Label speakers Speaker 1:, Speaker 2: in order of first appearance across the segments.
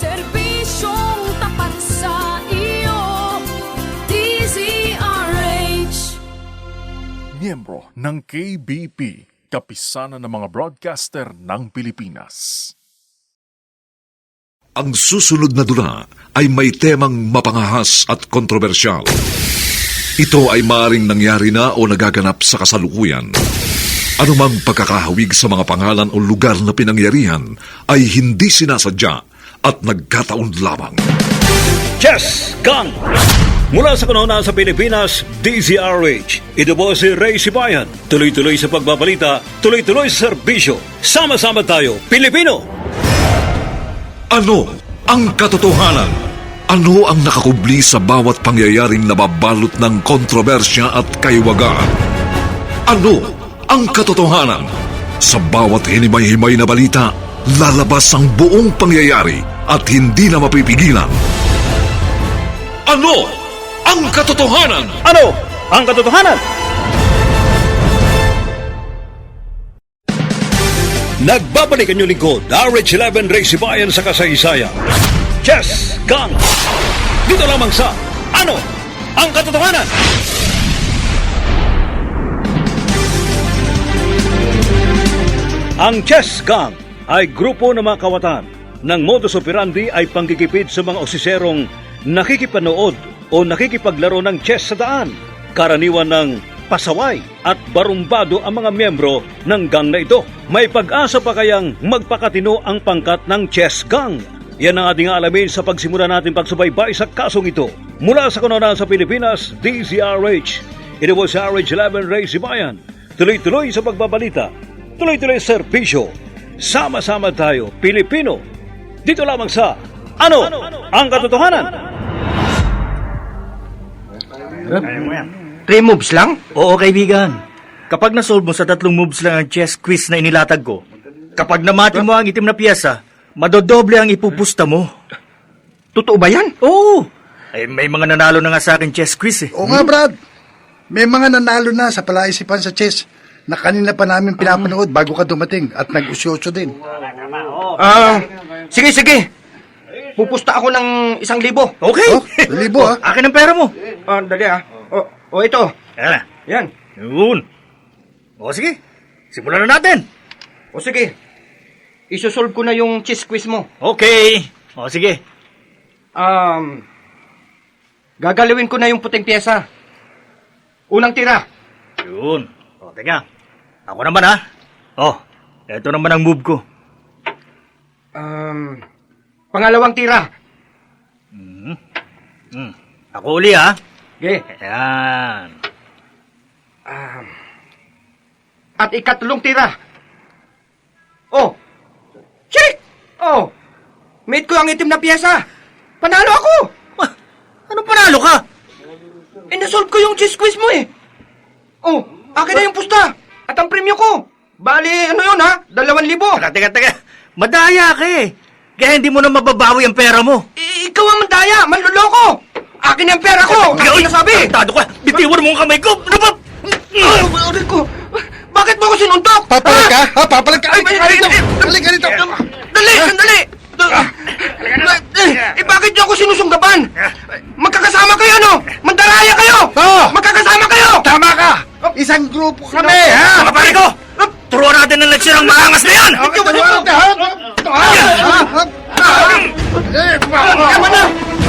Speaker 1: Serbisyong tapat sa iyo, DZRH.
Speaker 2: Miyembro ng KBP, kapisanan ng mga broadcaster ng Pilipinas.
Speaker 3: Ang susunod na dula ay may temang mapangahas at kontrobersyal. Ito ay maaaring nangyari na o nagaganap sa kasalukuyan. Anumang pagkakahawig sa mga pangalan o lugar na pinangyarihan ay hindi sinasadya at nagkataon lamang.
Speaker 4: Chess Gang! Mula sa kanuna sa Pilipinas, DZRH. Ito po si Ray Sibayan. Tuloy-tuloy sa pagbabalita, tuloy-tuloy sa serbisyo. Sama-sama tayo, Pilipino!
Speaker 3: Ano ang katotohanan? Ano ang nakakubli sa bawat pangyayaring nababalot ng kontrobersya at kaiwagaan? Ano ang katotohanan? Sa bawat hinimay-himay na balita, lalabas ang buong pangyayari at hindi na mapipigilan. Ano ang katotohanan?
Speaker 4: Ano ang katotohanan? Nagbabalik ang inyong lingkod, RH11 Ray Sibayan sa kasaysayan. Chess Gang! Dito lamang sa Ano ang katotohanan? Ang Chess Gang ay grupo ng mga kawatan ng modus operandi ay panggigipid sa mga osiserong nakikipanood o nakikipaglaro ng chess sa daan. Karaniwan ng pasaway at barumbado ang mga miyembro ng gang na ito. May pag-asa pa kayang magpakatino ang pangkat ng Chess Gang? Yan ang ating alamin sa pagsimula natin pagsubaybay sa kasong ito. Mula sa kanunaan sa Pilipinas, DZRH. Ito po sa RH11 Ray Sibayan. Tuloy-tuloy sa pagbabalita, tuloy-tuloy sa serbisyo. Sama-sama tayo, Pilipino. Dito lamang sa Ano ang katotohanan?
Speaker 5: 3 moves lang?
Speaker 6: Oo, kaibigan. Kapag nasolve mo sa 3 moves lang ang chess quiz na inilatag ko, kapag namati mo ang itim na piyesa, madodoble ang ipupusta mo.
Speaker 5: Totoo ba yan?
Speaker 6: Oo! Eh, may mga nanalo na nga sa akin chess quiz eh.
Speaker 7: Oo nga, Brad. May mga nanalo na sa palaisipan sa chess na kanina pa namin pinapanood bago ka dumating at nag-usyoso din.
Speaker 5: Sige. Pupusta ako ng 1,000.
Speaker 6: Okay!
Speaker 7: Oh, 1,000 ha?
Speaker 6: Akin ang pera mo.
Speaker 5: Dali ito.
Speaker 6: Ayan na.
Speaker 5: Yan.
Speaker 6: Yun. O sige, simulan na natin.
Speaker 5: O sige. Isosolve ko na yung chess quiz mo.
Speaker 6: Okay. O sige.
Speaker 5: Gagalawin ko na yung puting pyesa. Unang tira.
Speaker 6: Yun. O, teka. Ako naman ha. O, eto naman ang move ko.
Speaker 5: Pangalawang tira.
Speaker 6: Ako uli ha.
Speaker 5: Okay.
Speaker 6: Ayan.
Speaker 5: At ikatlong tira. Oh! Check! Oh! Mate ko ang itim na pyesa. Panalo ako!
Speaker 6: Anong panalo ka?
Speaker 5: Inasolve ko yung chess quiz mo eh. Oh, akin na yung pusta. At ang premyo ko. Bali, ano yun ha? 2,000.
Speaker 6: Teka. Madaya ka eh. Kaya hindi mo na mababawi ang pera mo.
Speaker 5: Ikaw ang mandaya, manluloko. Akin ang pera ko. Akin na sabi.
Speaker 6: Tado ka. Bitiwan mo ang kamay ko. Ano ba?
Speaker 5: Ay, ko. Bakit mo ako sinuntok?
Speaker 7: Papalag ka? Ha? Papalag ka?
Speaker 5: Dali ka rito. Dali, sandali. Bakit niyo ako sinusunggaban? Magkakasama kayo, no? Mandaraya kayo!
Speaker 7: Oo.
Speaker 5: Magkakasama kayo!
Speaker 7: Tama ka! Isang grupo kami, ha?
Speaker 6: Mga pare ko! Turuan natin ng leksyon ang maangas na yan!
Speaker 7: Okay, dalawa ka, ha?
Speaker 5: Tama na!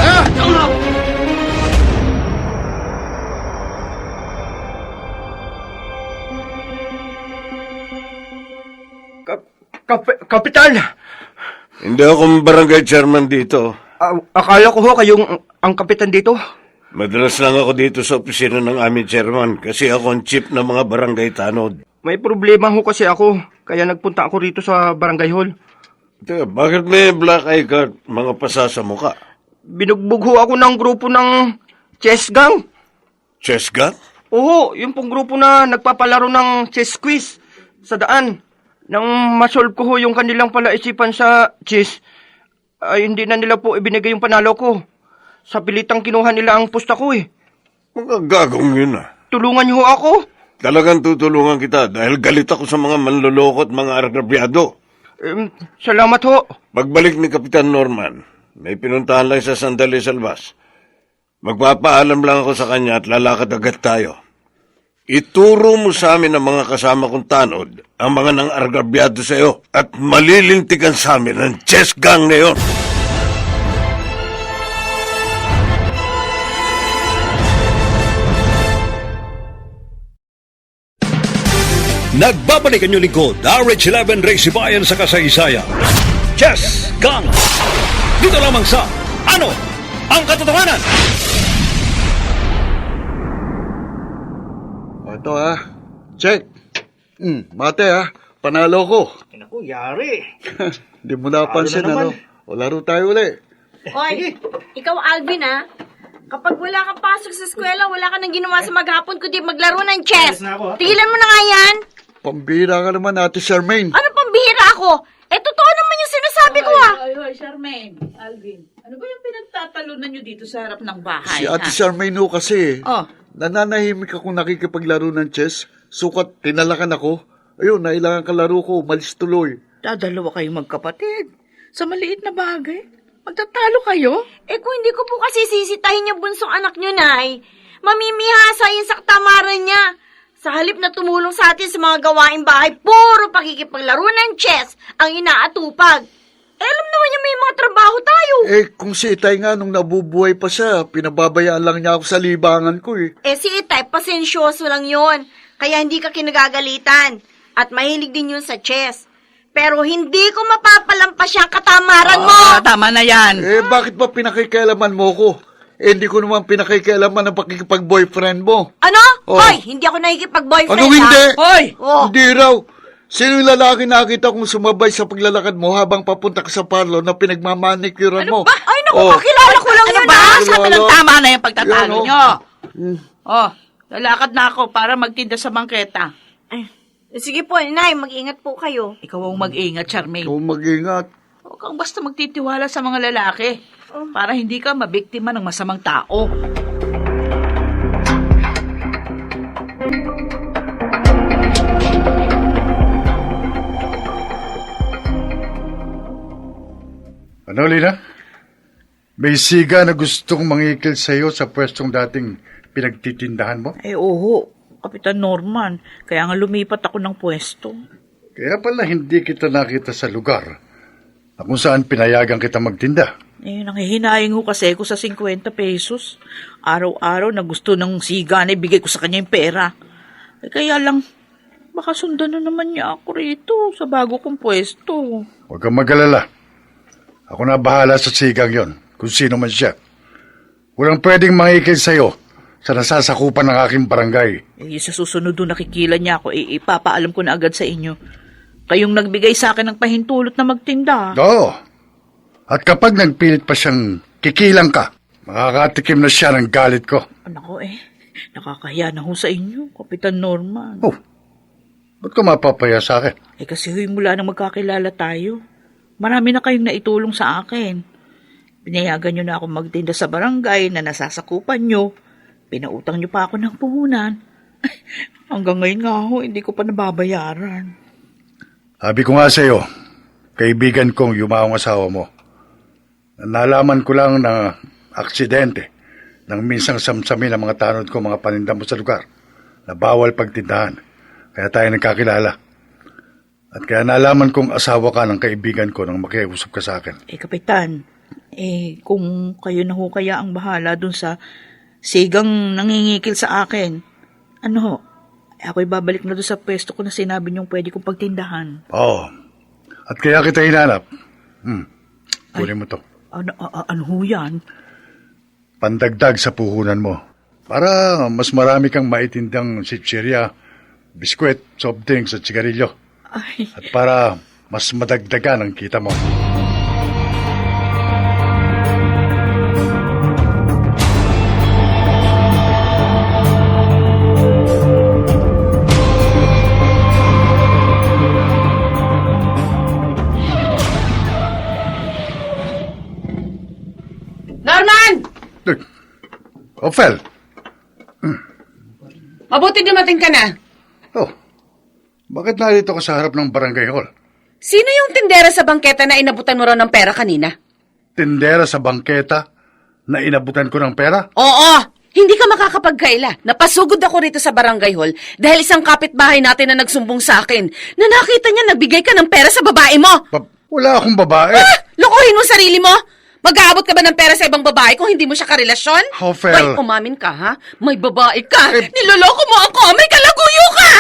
Speaker 5: Kapitan!
Speaker 8: Hindi ako barangay chairman dito.
Speaker 5: Akala ko ho kayong ang kapitan dito.
Speaker 8: Madalas lang ako dito sa opisina ng aming chairman kasi ako ang chief ng mga barangay tanod.
Speaker 5: May problema ho kasi ako, kaya nagpunta ako rito sa barangay hall.
Speaker 8: Teka, bakit may black eye ka at mga pasa sa muka?
Speaker 5: Binugbog ho ako ng grupo ng chess gang.
Speaker 8: Chess gang?
Speaker 5: Oo, yung pong grupo na nagpapalaro ng chess quiz sa daan. Nang masolve ko ho yung kanilang palaisipan sa chess, ay hindi na nila po ibinigay yung panalo ko. Sa pilitang kinuha nila ang pusta ko eh.
Speaker 8: Mga gagong yun ah.
Speaker 5: Tulungan niyo ho ako.
Speaker 8: Talagang tutulungan kita dahil galit ako sa mga manloloko at mga agrabyado.
Speaker 5: Salamat ho.
Speaker 8: Pagbalik ni Kapitan Norman, May pinuntahan lang sa sandali sa labas. Magpapaalam lang ako sa kanya at lalakad agad tayo. Ituro mo sa amin ang mga kasama kong tanod, ang mga nang argabyado sa iyo, at malilintigan sa amin ang chess gang na yon.
Speaker 4: Nagbabalik ang inyong lingkod, RH11 Race Bayan sa kasaysayan. Chess Gang! Dito lamang sa Ano ang Katotohanan?
Speaker 7: Ito check. Mate panalo ko.
Speaker 6: Naku, yari.
Speaker 7: Hindi mo napansin
Speaker 6: Talo na naman.
Speaker 7: O laro tayo uli.
Speaker 9: Oy, ikaw Alvin kapag wala kang pasok sa eskwela, wala ka nang ginawa sa maghapon kundi maglaro ng chess.
Speaker 6: Alis na ako, ha?
Speaker 9: Tigilan mo na nga yan.
Speaker 7: Pambira ka naman, Ate Charmaine.
Speaker 9: Ano pang bihira ako? Totoo naman yung sinasabi ko
Speaker 1: Hoy, Charmaine, Alvin, ano ba yung pinagtatalunan nyo dito sa harap ng bahay?
Speaker 7: Si Ate Charmaine ho kasi.
Speaker 1: Oh.
Speaker 7: Nananahimik akong nakikipaglaro ng chess. Sukat, tinalakan ako. Ayun, nailangan kalaro ko. Umalis tuloy.
Speaker 1: Dadalawa kayong magkapatid. Sa maliit na bagay. Magtatalo kayo?
Speaker 9: Kung hindi ko po kasi sisitahin yung bunsong anak nyo, Nay, mamimihasa yung saktamaran niya. Sa halip na tumulong sa atin sa mga gawaing bahay, puro pakikipaglaro ng chess ang inaatupag. Alam naman niya may mga trabaho tayo.
Speaker 7: Kung si Itay nga nung nabubuhay pa siya, pinababayaan lang niya ako sa libangan ko
Speaker 9: Si Itay, pasensyoso lang yon. Kaya hindi ka kinagagalitan. At mahilig din yun sa chess. Pero hindi ko mapapalampas yung katamaran mo.
Speaker 1: Tama na yan.
Speaker 7: Bakit ba pinakikialaman mo ko? Hindi ko naman pinakikialaman ang pakikipag-boyfriend mo.
Speaker 9: Ano?
Speaker 7: Oh.
Speaker 9: Hoy, hindi ako nakikipag-boyfriend,
Speaker 7: Ano hindi?
Speaker 1: Hoy!
Speaker 9: Oh.
Speaker 7: Hindi raw. Sino yung lalaki nakita kong sumabay sa paglalakad mo habang papunta ka sa parlor na pinagmamanikuran mo?
Speaker 9: Ay, naku, kakilala ko lang yun,
Speaker 1: Sabi lang tama na yung pagtatalo
Speaker 7: Yan,
Speaker 1: nyo. Lalakad na ako para magtinda sa bangketa.
Speaker 9: Sige po, Nay, mag-ingat po kayo.
Speaker 1: Ikaw ang mag-ingat, Charmaine.
Speaker 7: Ikaw mag-ingat.
Speaker 1: Huwag kang basta magtitiwala sa mga lalaki para hindi ka mabiktima ng masamang tao.
Speaker 7: Ano, Lina? May siga na gustong mangikil sa'yo sa pwestong dating pinagtitindahan mo?
Speaker 1: Oo, Kapitan Norman. Kaya nga lumipat ako ng pwesto.
Speaker 7: Kaya pala hindi kita nakita sa lugar na kung saan pinayagan kita magtinda.
Speaker 1: Nanghihinayang ho kasi ako sa 50 pesos. Araw-araw na gusto ng siga na ibigay ko sa kanya yung pera. Kaya lang, baka sundan na naman niya ako rito sa bago kong pwesto.
Speaker 7: Huwag kang mag-alala. Ako na bahala sa sigang yon, kung sino man siya. Walang pwedeng mangikil sa'yo sa nasasakupan ng aking barangay.
Speaker 1: Sa susunod doon nakikila niya ako, ipapaalam ko na agad sa inyo. Kayong nagbigay sa akin ng pahintulot na magtinda.
Speaker 7: Oo. At kapag nagpilit pa siyang kikilang ka, makakatikim na siya ng galit ko.
Speaker 1: Nako nakakahiya na ho sa inyo, Kapitan Norman.
Speaker 7: Oh, ba't ka mapapaya sa akin?
Speaker 1: Kasi mula nang magkakilala tayo, marami na kayong naitulong sa akin. Pinayagan nyo na ako magtinda sa barangay na nasasakupan nyo. Pinautang nyo pa ako ng puhunan. Hanggang ngayon nga ho, hindi ko pa nababayaran.
Speaker 7: Sabi ko nga sa'yo, kaibigan kong yumaong asawa mo. Nalaman ko lang na aksidente nang minsang samsamin ang mga tanod ko, mga paninda mo sa lugar na bawal pagtindahan. Kaya tayo nagkakilala. At kaya nalaman kong asawa ka ng kaibigan ko nang makiusap ka sa akin.
Speaker 1: Kapitan, kung kayo na ho kaya ang bahala dun sa sigang nangingikil sa akin, ako'y babalik na dun sa pwesto ko na sinabi niyong pwede kong pagtindahan.
Speaker 7: Oo. At kaya kita hinanap. Kunin mo to.
Speaker 1: Ano ho yan?
Speaker 7: Pandagdag sa puhunan mo. Para mas marami kang maitindang sitsirya, biskwit, soft drinks at sigarilyo.
Speaker 1: Ay,
Speaker 7: At para mas madagdagan ang kita mo.
Speaker 10: Norman!
Speaker 7: Ophel!
Speaker 10: Mabuti dumating ka na.
Speaker 7: Oh, bakit narito ka sa harap ng barangay hall?
Speaker 10: Sino yung tindera sa bangketa na inabutan mo raw ng pera kanina?
Speaker 7: tindera sa bangketa na inabutan ko ng pera?
Speaker 10: Oo! Hindi ka makakapagkaila. Napasugod ako rito sa barangay hall dahil isang kapitbahay natin na nagsumbong sa akin na nakita niya nagbigay ka ng pera sa babae mo.
Speaker 7: Wala akong babae.
Speaker 10: Lokohin mo sarili mo? Mag-aabot ka ba ng pera sa ibang babae kung hindi mo siya karelasyon?
Speaker 7: Ophel.
Speaker 10: Hoy, umamin ka, ha? May babae ka! Niloloko mo ako! May kalaguyo ka!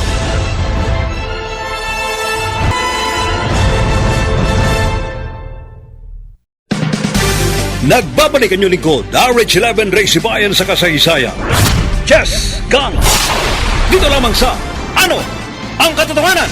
Speaker 4: Nagbabalik ang inyong lingkod, RH11 Ray Sibayan sa kasaysayan. Chess Gang! Dito lamang sa Ano ang Katotohanan?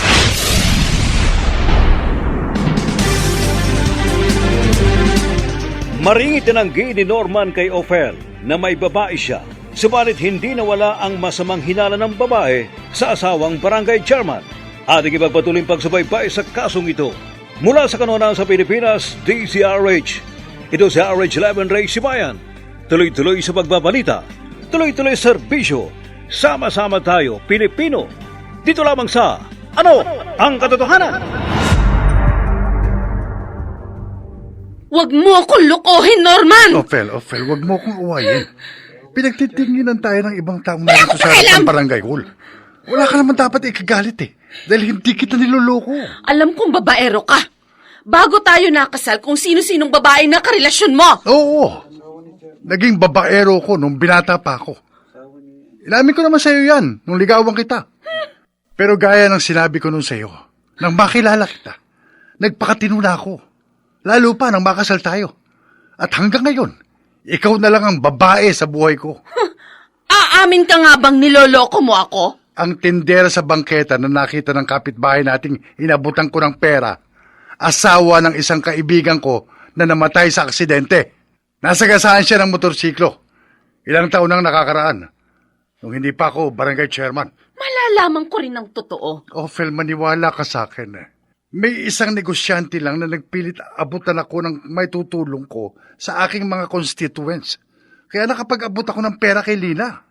Speaker 4: Maringit tinanggi ni Norman kay Ophel na may babae siya, subalit hindi nawala ang masamang hinala ng babae sa asawang barangay chairman. Ating ipagpatuloy pagsubaybay sa kasong ito. Mula sa kanunan sa Pilipinas, DZRH. Ito si RH11 Ray Sibayan. Tuloy-tuloy sa pagbabalita. Tuloy-tuloy sa serbisyo. Sama-sama tayo, Pilipino. Dito lamang sa Ano ang Katotohanan?
Speaker 10: Huwag mo akong lokohin, Norman!
Speaker 7: Ophel, wag mo akong uwayin. Pinagtitinginan tayo ng ibang taong narito sa harapan barangay hall. Wala ka naman dapat ikagalit eh. Dahil hindi kita niloloko.
Speaker 10: Alam kong babaero ka. Bago tayo nakasal kung sino-sinong babae na karelasyon mo.
Speaker 7: Oo. Naging babaero ko nung binata pa ako. Inamin ko naman sa'yo yan nung ligawan kita. Pero gaya ng sinabi ko nun sa'yo, nang makilala kita, nagpakatino na ako. Lalo pa nang makasal tayo. At hanggang ngayon, ikaw na lang ang babae sa buhay ko.
Speaker 10: Aamin ka nga bang niloloko mo ako?
Speaker 7: Ang tindera sa bangketa na nakita ng kapitbahay nating inabutan ko ng pera, asawa ng isang kaibigan ko na namatay sa aksidente. Nasagasaan siya ng motorsiklo. Ilang taon nang nakakaraan. Nung hindi pa ako barangay chairman.
Speaker 10: Malalaman ko rin ang totoo.
Speaker 7: Ophel, maniwala ka sa akin. May isang negosyante lang na nagpilit abutan ako ng may tutulong ko sa aking mga constituents. Kaya nakapag-abot ako ng pera kay Lina.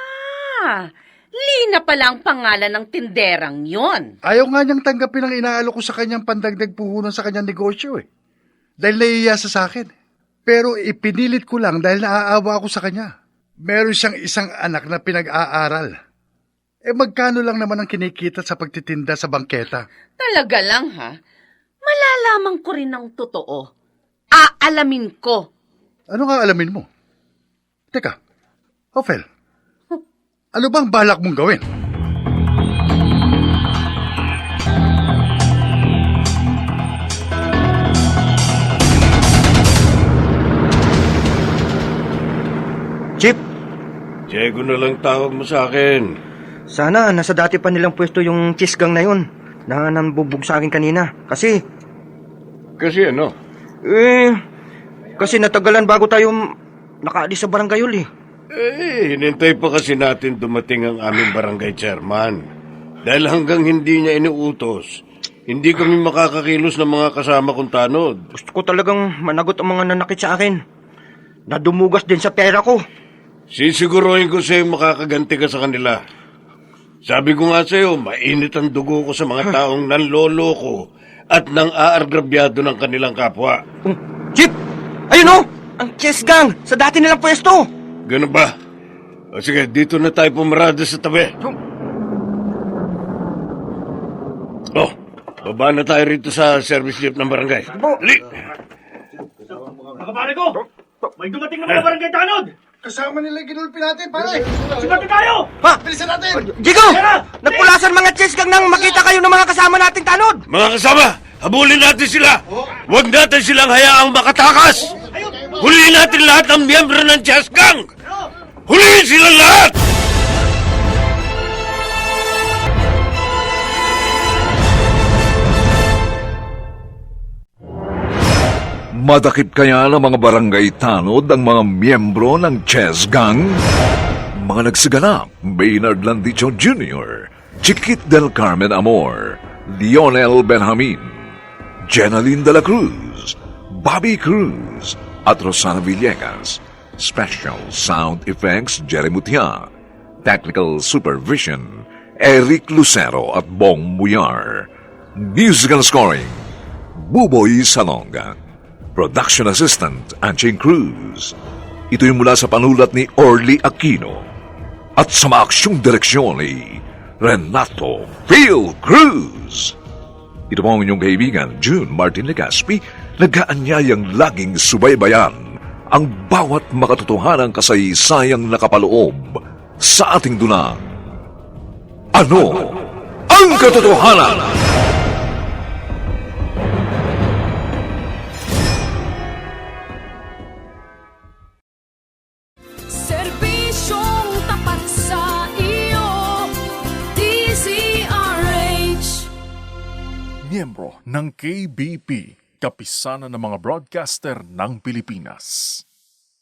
Speaker 10: Lina pala ang pangalan ng tinderang yon.
Speaker 7: Ayaw nga niyang tanggapin ang inaalok ko sa kanyang pandagdag puhunan sa kanyang negosyo eh. Dahil naiiya sa akin. Pero ipinilit ko lang dahil naaawa ako sa kanya. Meron siyang isang anak na pinag-aaral. Magkano lang naman ang kinikita sa pagtitinda sa bangketa?
Speaker 10: Talaga lang, ha? Malalaman ko rin ang totoo. Aalamin ko.
Speaker 7: Ano nga alamin mo? Teka, Ophel, ano bang balak mong gawin?
Speaker 5: Chip,
Speaker 8: Diego na lang tawag mo sa akin.
Speaker 5: sana nasa dati pa nilang pwesto yung chess gang na yun na nambubog sa akin kanina. Kasi
Speaker 8: ano?
Speaker 5: Kasi natagalan bago tayo nakaalis sa barangay hall eh.
Speaker 8: Hinintay pa kasi natin dumating ang aming barangay chairman. Dahil hanggang hindi niya inuutos, hindi kami makakakilos ng mga kasama kong tanod.
Speaker 5: Gusto ko talagang managot ang mga nanakit sa akin. Nadumugas din sa pera ko.
Speaker 8: Sisiguruhin ko sa'yo makakaganti ka sa kanila. Sabi ko nga sa'yo, mainit ang dugo ko sa mga taong nanloloko at nang aargrabyado ng kanilang kapwa.
Speaker 5: Chip! Ayun o! Ang chess gang! Sa dati nilang pwesto!
Speaker 8: Ganun ba? O sige, dito na tayo pumarada sa tabi. Oh, baba na tayo rito sa service jeep ng barangay. Li!
Speaker 6: Nakapare ko! May dumating na mga barangay tanod!
Speaker 7: Kasama nila yung ginulpi natin, pare!
Speaker 6: Sumati tayo!
Speaker 5: Ha?
Speaker 7: Bilisan natin!
Speaker 5: Jigo! Nagpulasan mga chess gang nang makita kayo ng mga kasama nating tanod!
Speaker 8: Mga kasama, habulin natin sila! Huwag natin silang hayaang makatakas! Huliin natin lahat ng miyembro ng chess gang! Huliin sila lahat!
Speaker 3: Madakip kaya ng mga barangay tanod ang mga miyembro ng Chess Gang? Mga nagsiganap, Maynard Landicho Jr., Chiquit del Carmen Amor, Lionel Benjamin, Jenaline de la Cruz, Bobby Cruz, at Rosana Villegas. Special Sound Effects, Jerry Mutia. Technical Supervision, Eric Lucero at Bong Muyar. Musical Scoring, Buboy Salonga. Production Assistant, Anching Cruz. Ito'y mula sa panulat ni Orly Aquino. At sa maaksyong direksyon ni Renato Phil Cruz. Ito po ang inyong kaibigan, June Martin Legaspi, nag-aanyayang laging subaybayan ang bawat makatotohanang kasaysayang nakapaloob sa ating dunang. Ano ang katotohanan?
Speaker 11: Serbisyong tapat sa iyo, DZRH.
Speaker 2: Miyembro ng KBP, Kapisanan ng mga Broadcaster ng Pilipinas.